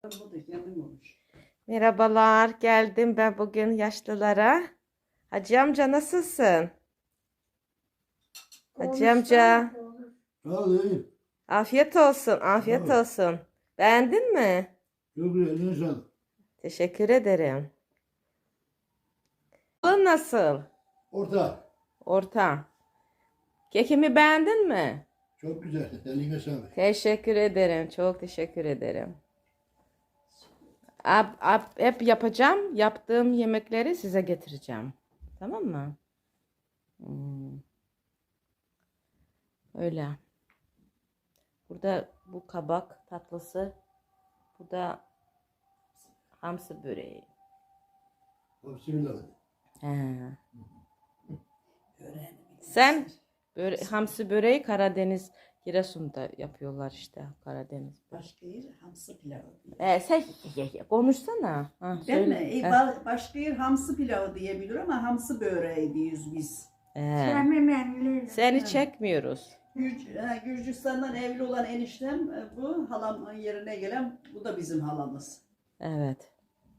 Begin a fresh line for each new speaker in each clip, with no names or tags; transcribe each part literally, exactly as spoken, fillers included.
Merhabalar, geldim ben bugün yaşlılara. Hacı amca nasılsın? Hacı amca,
Alayım.
afiyet olsun, afiyet
Bravo.
olsun. Beğendin mi?
Çok güzel, eline sağlık.
Teşekkür ederim. Bu nasıl?
Orta.
Orta. Kekimi beğendin mi?
Çok güzel, eline sağlık.
Teşekkür ederim, çok teşekkür ederim. Ab, ab, hep yapacağım, yaptığım yemekleri size getireceğim. Tamam mı? Hmm. Öyle. Burada bu kabak tatlısı. Bu da hamsi böreği.
Bismillah.
He. Sen böre hamsi böreği Karadeniz, Giresun'da yapıyorlar işte Karadeniz.
Başka yer hamsi pilavı.
Ee, sen konuşsana. Ha,
Ben
söyle.
mi? E,
He.
ba- başka yer hamsi pilavı diyebilir ama hamsi böreği diyoruz biz.
He. Seni çekmiyoruz.
Gürc ha, Gürcistan'dan evli olan eniştem e, bu. Halamın yerine gelen bu da bizim halamız.
Evet.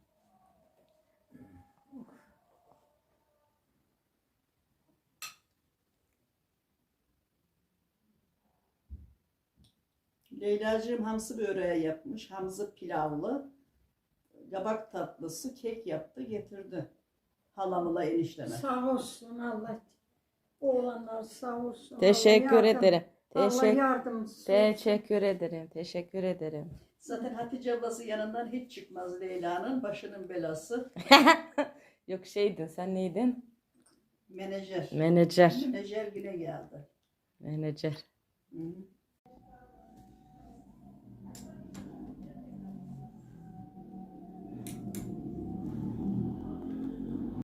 Leyla'cığım hamsi böreği yapmış. Hamsi pilavlı. Kabak tatlısı, kek yaptı getirdi. Halamla enişteme.
Sağ olsun Allah. Oğlanlar sağ olsun.
Teşekkür
Allah yardım-
ederim.
Allah
Teşekkür
yardımcısı olsun.
Teşekkür ederim. Teşekkür ederim.
Zaten Hatice ablası yanından hiç çıkmaz Leyla'nın. Başının belası.
Yok şeydin, sen neydin?
Menajer.
Menajer.
Menajer güne geldi.
Menajer.
Hı -hı.